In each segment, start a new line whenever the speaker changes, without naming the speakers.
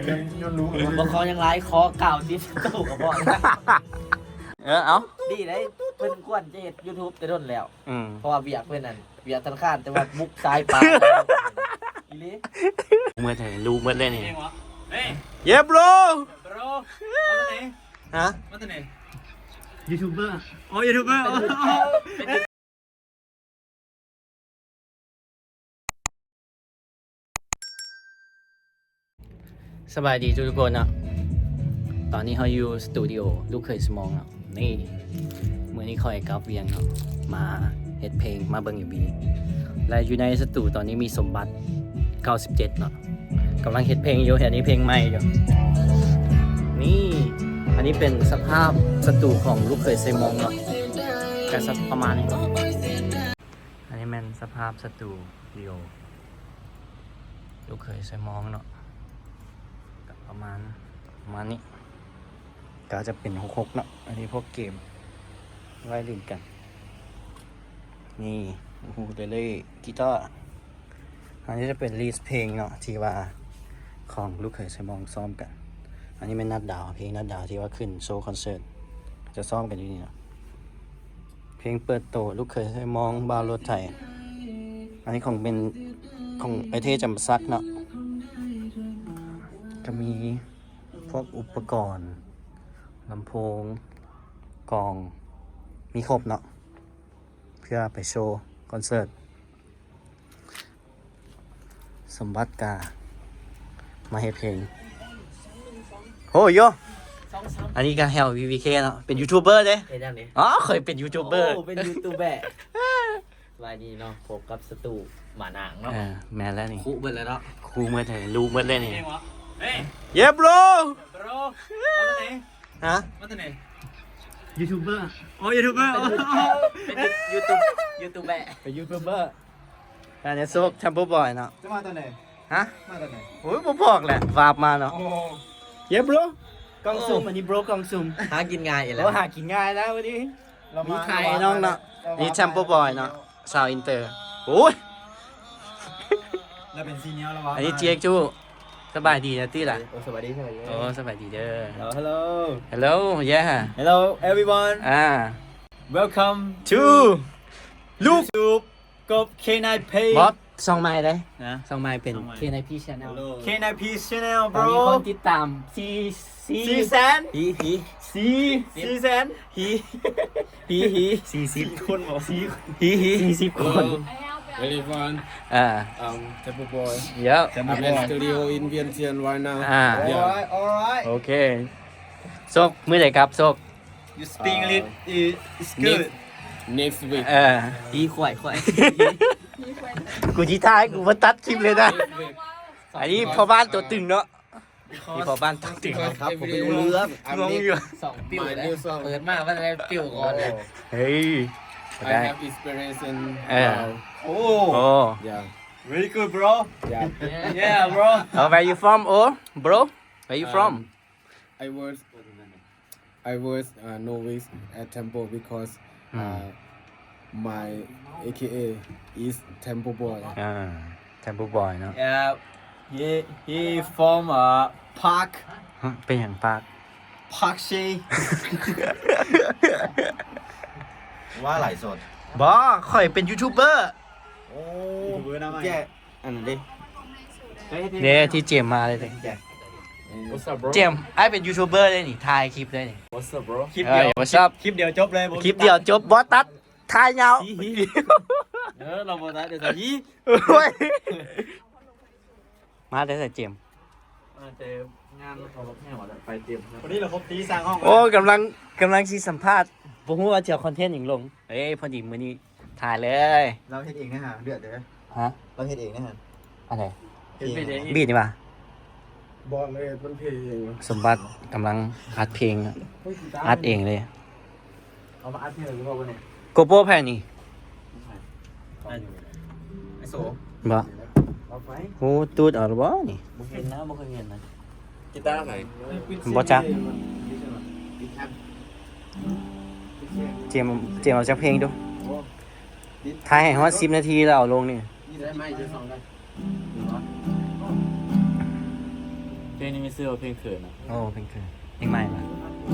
ย้อนรู้
บ่ขอยังไรขอเก่าที่ตู้กับพ่อ
เอา
ดีได้เพิ่นควรจะเฮ็ด YouTube แต่ต้นแล้ว
ม
เพราะว่าเวียกเพิ่นนั่นเวียกธนาคารแต่ว่ามุกซ้ายปลาอีหลี
เมื่อไหร่รู้เมื่อเล่นนี่
เฮ้ย
เย็บโล
โปรมาจากไหน
ฮะ
มาจากไหน
ยูทูบเบอร์
อ๋อยูทูบเบอร์
สบายดีทุกคนเนาะตอนนี้เขาอยู่สตูดิโอลูกเคยสมองเนาะนี่เมื่อนี้คอยกับเวียงเนาะมาเฮ็ดเพลงมาเบิ่งอยู่บีและอยู่ในสตูตอนนี้มีสมบัติ 97 เนาะกำลังเฮ็ดเพลงอยู่อันนี้เพลงใหม่อยู่นี่อันนี้เป็นสภาพสตูของลูกเคยสมองเนาะก็สักประมาณนี้อันนี้เป็นสภาพสตูดิโอลูกเคยสมองเนาะประมาณนี้ก็จะเป็น6เนาะอันนี้พวกเกมไว้เล่นกันนี่โอ้โหเลยกีตาร์อันนี้จะเป็นลีสเพลงเนาะที่ว่าของลูกเขยสมองซ้อมกันอันนี้เป็นนัดดาวเพลงนัดดาวที่ว่าขึ้นโชว์คอนเสิร์ตจะซ้อมกันอยู่นี่เนาะเพลงเปิดโตลูกเขยสมองบาวรถไทยอันนี้ของไอเทจำซักเนาะจะมีพวกอุปกรณ์ลำโพงกลองมีครบเนาะเพื่อไปโชว์คอนเสิร์ตสมบัติกามาให้เพลงโอ้ยโยอันนี้ก็แฮล VVK เนาะเป็นยูทูบเบอร์เด้
เฮ็ดจังได๋
อ๋อเคยเป็นยูทูบเบอร์
โอ้เป็นยูทูบเบอร์สบายดีเนาะพบกับสตูหมานางเนาะ
แมนแล้วนี่
คุเบิดแล้วเนาะ
ครูเมื่อไหร่รู้เมื่อเล่นนี่
เฮ้ย
เย็บโล
โปรมาจากไหน
ฮะ
มาจากไหน
ยูทูบเบอร์
อ๋อยูทูบเบอร์
เป็นยูทูบเบอร์
เป็นยูทูบเบอร์อันนี้โซกแชมเปอร์บอยเนาะ
จะมาจากไหน
ฮะ
มาจากไหน
โอ้ยผมบอกแหละวาบมาเนาะ
โอ้
เย็บโลกล่องซุ่มอันนี้โบรกล่องซุ่ม
หากินง่ายแล้
เรา
ว
หากินง่ายแล้ววันนี้
เรา
มี
มา
ใครน้องเนาะนี่แชมเปอร์บอยเนาะสาวอินเตอร์โอ้ย
เราเป็นซีเนียร์แล้ววะ
อันนี้เจ๊กจูสบายดีนะตี้ล่ะ
โอ้สวัสดี
โอ้สบายดีเด้อ
Hello
Hello yeah
Hello everyone Welcome
to ลูก
YouTube กบ K9 Pay
บอสซองไม้เลย
นะ
ซองไม้เป็น
ซองไมค์
KNP Channel
K9 P Channel
ตอนนี้
bro
คนติดตามซี
ซีแซน
ฮี
ซีแซน
ฮี
40
คนบอกซี
40 คน
Very fun. Tempo Boy.
เยอะ
I'm in studio in Vientiane right now.
alright alright
โอเคโซกมือไหนครับโซก
you speak English is good
Next week.
ฮีข่อย
กูจีท้ายกูมาตัดคลิปเลยนะ
Next week.
อันนี้พ่อบ้านตัวตึงเนาะนี่พ่อบ้านตัวตึง
Because every
งง
I'm
งง
next-
อยู่
2ปิ้ว
my
แล้ว
new song.
เปิดมาว่าอะไรปิ้วก่อนเลย
เฮ้ย
I
ได้
have inspiration.
Yeah.
oh
โอ้
Yeah.
very good bro
Yeah.
yeah bro
where you from oh bro where you from
I was novice at Tempo because my AKA is Tempo Boy.
แทมเปอร์บอยเนาะ
yeah he from Park
เป็นอย่างปาก
Park She
ว่าไหลสด
บอข่อยเป็นยูทูบเบอร์
โอ้เบอร์หน้าใหม่
แย่อันนั้นดิ
เนี่ยที่เจมมาเลยเลย
What's up, bro?
เจมไอเป็นยูทูบเบอร์เลยนี่ถ่ายคลิปเลยนี่
What's up, bro?
คลิปเดียว
What's up
คลิปเดียวจบเลย
คลิปเดียวจบบอสตัดถ่ายยาว
เราโบนัสเดี๋ยวยี่
โอ้ยมาได้แต่เจม
เจองานเราแค่หมดไปเตรียมวันนี้เราครบตีสร้างห้อง
โอ้กำลังซีสัมภาษณ์ผมว่าจะเอาคอนเทนต์อย่างลงเอ้ยพอดีมื้อนี้ถ่ายเลย
เราเฮ็ดเองนะฮะเดือดเด้อ
ฮะ
เราเฮ็ดเองนะฮะ
อะไร
เฮ็ดเอง
บีดนี่ป่ะ
บอกเลยมันเพลง
สมบัติกำลังอัดเพลงอัดเองเลย
เอามาอัดเพลงหรือเปล่าเนี่ย
โกโปรแพนนี่
ไอโส
บ่
เอาไป
โอ้ตูดเอาหรือบ่นี่
บุกเห็นนะบุกเคยเห็นนะ
กีตาร์ไหน
บ่จักเจมเอาจักเพลงดูถ่ายให้ฮอด10 นาทีแล้วเอาลงนี่
นี่ได้ไหมจะส่งได้
เพลงนี้มีเสื้อเพลงเขินนะ
โอ้เพลงใหม่มา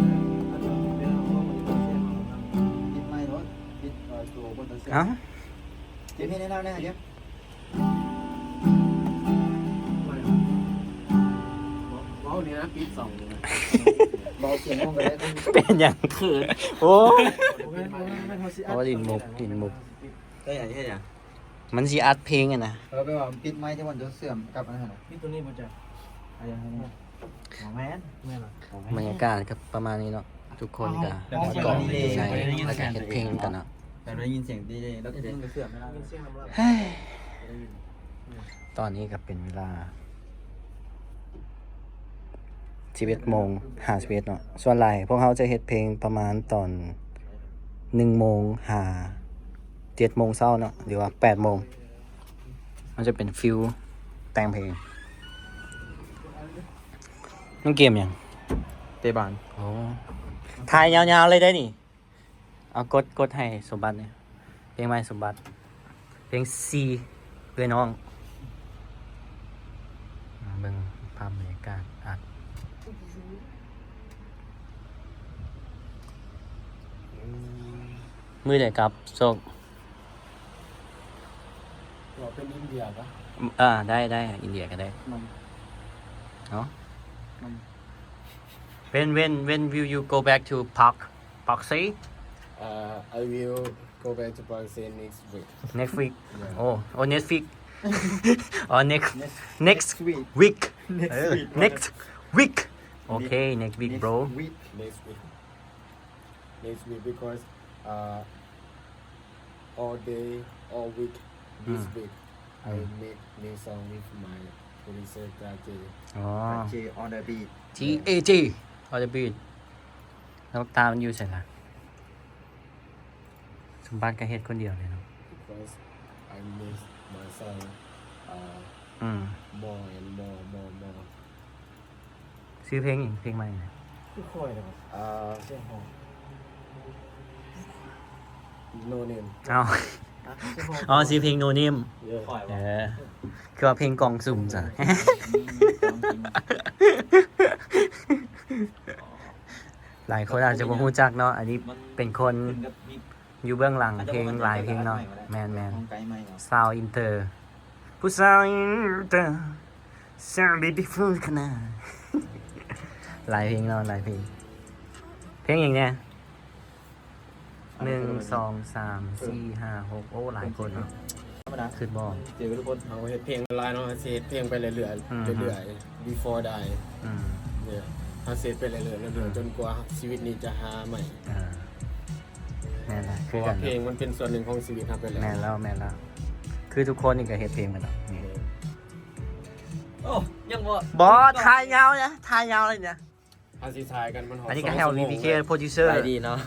ปิดไมค์รถปิดตัวบนตัวเสื้อ
เอ้า
เดี๋ยวพี่แนะนำนะเดี๋ยวเบาเนี่ยนะปิด2เลยนะเบาเสียงลงไปได้ต้อง
เป็นอย่าง
เขิน
โอ้
ไม่พอสิ
เพราะว่าดินมุก
ได้อย่างนี้อย่าง
มันสิอัดเพลงอะนะ
ไปว่าปิดไมค์ที่วันจะเสื่อมกับอันนั้นปิดตัวนี้มันจะอะไรอย่างเงี้ยของแม่นแม่นหรอบ
รรยากาศก็ประมาณนี้เนาะทุกคนก็กอดใช่แล้วก็เฮ็ดเพลงกันเนาะ
แต่ได้ยินเสียงดีเลยแล้วก็มันเสื่อมไม่ได้
เสียงน้ำลาย
เฮ้ยตอนนี้ก็เป็นเวลา11โมง51เนาะส่วนหลายพวกเขาจะเฮ็ดเพลงประมาณตอน1โมง7โมงเช้าเนาะหรือว่า8โมงมันจะเป็นฟิลแต่งเพลงมันเกมยัง
เตะบาน
โอ้ถ่ายยาวๆเลยได้นี่เอากดให้สมบัติเนี่ยเพลงใหม่สมบัติเพลงซีเพื่อนน้องเบิ่งภาพบรรยากาศอัดมือเดียวกับโซก
เราเป็นอินเดียปะ
ได้อินเดียก็ได้เนาะ when will you go back to Park Say
I will go back to Pakistan next week
next week
Yeah.
oh next week or next
week
week
next
week okay next week bro
week
next week because all day all week this week I make new song with my producer Kajay
อ๋อ
J on the beat
GAG ออเดอร์บีดแล้วตามมันอยู่ใส่ละสมบัติก็เฮ็ดคนเดียวเลยเนาะ
because I miss my song
อืม
more and more
ซื้อเพลงอีกเพลงใหม่นะ
คือคอยเลยครับเสียงหอม
no name
เอาอ๋อซื้อเพลงโนนิม
yeah
ปล่อย
เอ
วะ
อคือว่าเพลงกล่องสุ่มจ้ะ หลายคนอาจจะบ่รู้จักเนาะอันนี้เป็นคนอยู่เบื้องหลังเพลงหลายเพลงเนาะแมน
ของไกลไหมเหรอ
ซาวอินเตอร์ผู้สาวอินเตอร์ซาวบิวฟูลขนาด หลายเพลงเนาะหลายเพลงเพลงอย่างเนี้ย1 2 3 4 5 6โอ้หลายคนเนาะ
ธรรมดา
ขึ้นบ่
เจอทุกคน
เอาเฮ็ดเพลงลายเนาะเฮ็ดเพลงไปเรื่อยๆเรื่อยๆ before die
อืม
เนี่ยเอาเสร็จไปเรื่อยๆจนกว่าชีวิตนี้จะหาใหม่
แม่นละ
เพ
คือ
ราะ
กั
ว่าน เพลง
เนาะ
มันเป็นส่วนหนึ่งของชีวิตครับไปแล้ว
แม่นแล้วคือทุกคนนี่ก็เฮ็ดเพลงกันเนาะนี่
โอ้ยังบ่
บ่ทายยาวนะทายยาวเลยเนี่ย
อาสิทายกันมันหอ
อันนี้ก็ให้ VPK โปรดิวเซอร์
ไปดีเนาะ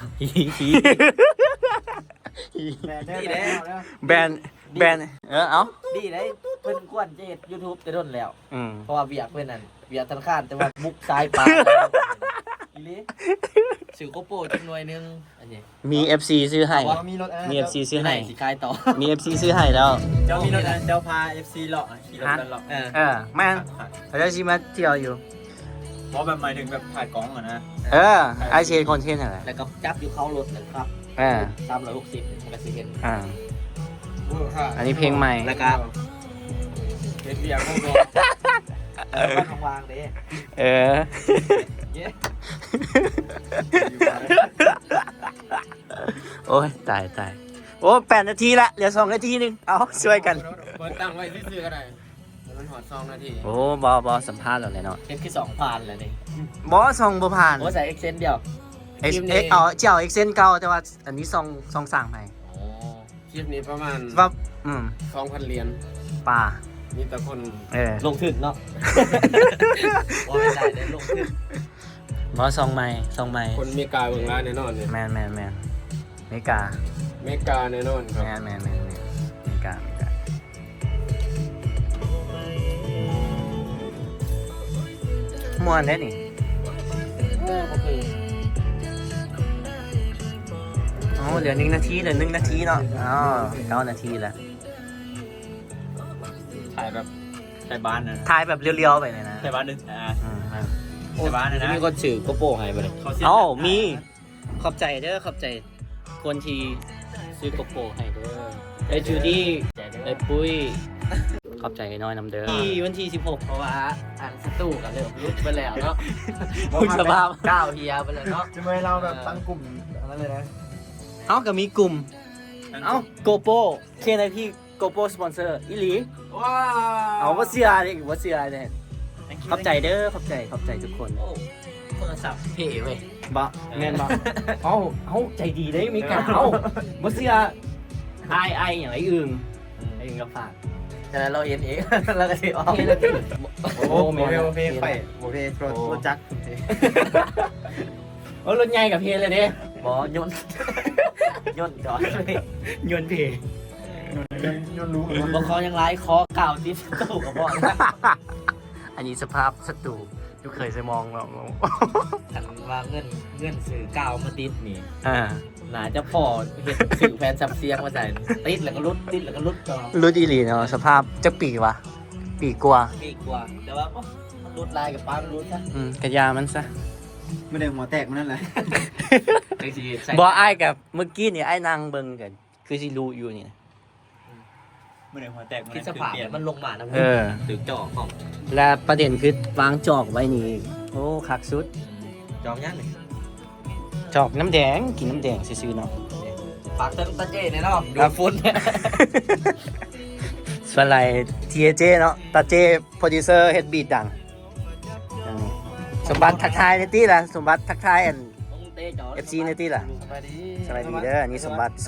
แม่ได้
นี่แหละ
แล้ว
แบนเอ้า
ดีได้เพิ่นควรจะเฮ็ด YouTube แต่โดนแล้ว
อืม
เพราะว่าเวียกเพิ่นนั่นเวียกธนาคารแต่ว่ามุกซ้ายปลาอีหลีซื้อโกโปรจักหน่วยนึงอันนี้
มี FC ซื้อให้
ว่ามีรถ
มี FC ซื้อให้
สิขายต่อ
มี FC ซื้อให้แล้ว
เจ้ามีรถเจ้าพา FC เลาะขี่รถกันเลาะ
แม่นเขาจะชิมาเที่ยวอยู่
เพราะแบบหมายถึงแบบถ่ายกล้องอะนะ
ไอเชนคอนเทนต์อะไร
แล้วก็จับอยู่เข้ารถเลยครับ360มันก็สิเห็น
อันนี้เพลงใหม่
แล้วก็
เฮ็ดเวียกพวกเรา
บ้านวางเด้
เออ
เย้
โอ้ยตายโอ้8 นาทีละเหลือ2 นาทีนึงเอาช่วยกัน
เปิดตั้งไว้ซื่อๆก็ได้มันหอด2 นาที
โอ้บอสัมภาษณ์เราเลยเนาะ
เฮ็ดคือ2,000แล้วนี่
บอส่งบ่ผ่าน
โอ้ใส่ Excel เดียว
เจ้า Excel เก่าแต่ว่าอันนี้ส่งสั่งให้
โอ้
คลิปนี้ประมาณ
ว่า
2,000 เหรียญ
ป่า
มีแต่คน
ลงทุนเนาะว่าไม่ได้ได้ลงทุน
บอส่งใหม่
คนเมกาเบิ่งร้านแน่นอนเนี่ย
แมนเมกา
เมกาแน่นอนครับ
แมนเมกาม่วนได้นี่
ก็คือ
เหลือ1 นาทีเนาะ9 นาทีแล้ว
ถ่ายแบบถ่ายบ้านนะ
ถ่ายแบบเรียวๆไปเลยนะ
ถ่ายบ้านนึง
แต่ว่านะมีคนสื่อโกโปรให้ไปเลย
เอ้ามีขอบใจเด้อขอบใจคนที่ซื้อโกโปรให้เด้อไอ้จูดี้ไอ้ปุ้ยขอบใจน้อยนำเด้อที่วันที่16
เพราะว่าอันสตูกับเริ่มรุดไปแล้วเนาะ
คุณสภาพ
ก้าวเฮียไปแล้วเนาะ
จะไม่เราแบบตั้งกลุ่มอันนั้นเลยนะ
เอ้าก็มีกลุ่มเอ้าโกโปรเคนไอพี่โกโปรสปอนเซอร์อีหลี
ว้า
เอาว่าเสียเลยว่าเสียเลยขอบใจเด้อขอบใจทุกคน
โอ้โทรศัพท์เท่เว้ย
บะแม่นบะเอาใจดีได้มีการเอาว่าเสียไออย่างไรอึ่งไออึ่งก็ฝาก
ฉะนั้นเราเห็นเอง เราก็สิออก
โอ้
โมเพไฟโมเพรถจักร
โอ้รถใหญ่กับเพเลยเด้
บอยนยนจอดเลย
ยนต์เพ
ยนรู้
บอคอยังไล่คอเก่าที่สตูกับบอกนะ
อันนี้สภาพสตูทุกเคยจะมองเรา
ถันว่าเงินสื่อเก่ามาติดนี่
อ่า
น่าจะพอเห็นสื่อแฟนซับเสียงมาใส่ติดแล้วก็รุดติดแล้วก็รุดจอ
รุ่นอีหลีเนาะสภาพจะปีกวะปีกกว่า
ปีกว่าแต่ว่ามันรุดลายกับป้ามันรุดซะ
กระยามันซะ
ไม่ได้หัวแตกมันนั่นแหละ
จังสิใส่
บอไอ้กับเมื่อกี้นี่ไอ้นางเบิ่งกันคือสิรู้อยู่นี่
ไม่ได้หัวแตกมัน
คิดสภาพเนี่ยมันลงมานะ
เออ
ตึกจอของ
และประเด็นคือวางจอกไว้นี่โอ้คักสุด
จองยังนี่
จอกน้ำแดงกินน้ำแดงซื่อๆเนาะ
ฝากเติมตาเจเนี่ยเนาะดู
ครับ
ฟุ้นเนี่ย
ส่วนไรทีเจเนาะตาเจโปรดิวเซอร์เฮดบีดดังสมบัติทักทายในตี้ล่ะสมบัติทักทายอัน FC ในตี้ล่ะสวัสดีเด้ออันนี้สมบัติ97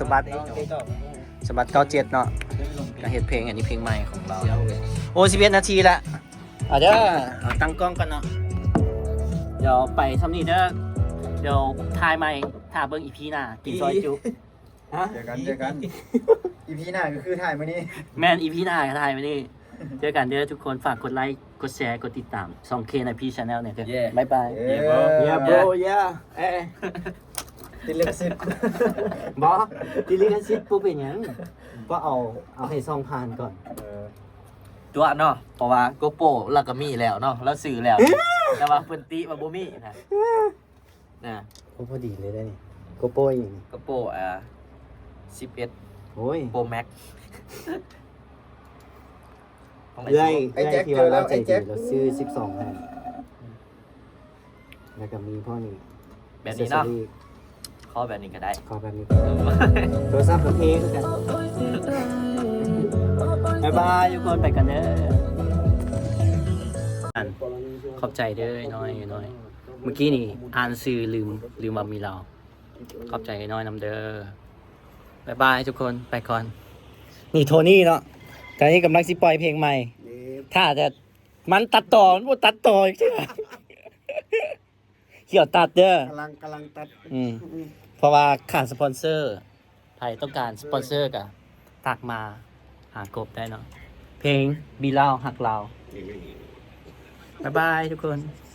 เนาะก็เฮ็ดเพลงอันนี้เพลงใหม่ของเราโอ้11นาทีละเด้อเอาตั้งกล้องกันเนาะเดี๋ยวไปทำนี่เด้อเดี๋ยวถ่ายใหม่ถ่าเบิ่งอีพีหน้ากินซอยจุฮะ
เจอกันอีพีหน้าก็คือถ่ายมานี่
แม่นอีพีหน้าก็ถ่ายไม่ได้เจอกันเด้อทุกคนฝากกดไลค์กดแชร์กดติดตาม 2K ในพี่ชาแนลเนี่ยเด้อบ๊ายบาย
Yeah bro yeah เอ๊ะติดเล็บสิบ
บอดิลิกันซิปปุ๊บเป็นหยังก็เอาให้ซองผ่านก่อน
ตัวเนาะเพราะว่าโกโปรเราก็มีแล้วเนาะแล้วสื่อแล้ว แต่ว่าเพิ่นติมาบ่มีนะ
โอ้พอดีเลยได้นี่โกโป้ยนี่
โกโปร11
โอ้ย
Pro Max ของ
เอ้ย
ไอ้แจ็ค
ที่
เจ
ว่า
อแล้
เรา
ว
ใจ
ไอ้
ดี
แจ็ค
เราซื้อ12ให้แล้วก็มีพ่อนี่
แบบนี้เนาะ
accessory
ขอแบบนี้ก็ได้
ขอแบบนี้โทรศัพท์กับเพลงกันบ๊ายบายทุกคนไปกันเด้อขอบใจเด้อน้อยเมื่อกี้นี่อ่านซื้อลืมว่ามีเราขอบใจน้อยนำเด้อบายบายทุกคนไปก่อนนี่โทนี่เนาะตอนนี้กำลังสิปล่อยเพลงใหม่ ถ้าจะมันตัดต่อมันบ่ตัดต่ออีกใช่ไหมเกี่ยวตัดเด้อก
ำลังตัด
เพราะว่าขาดสปอนเซอร์ใครต้องการสปอนเซอร์กะตักมาหากบได้เนาะเพลงบีเล่าหักเราบ๊ายบายทุกคน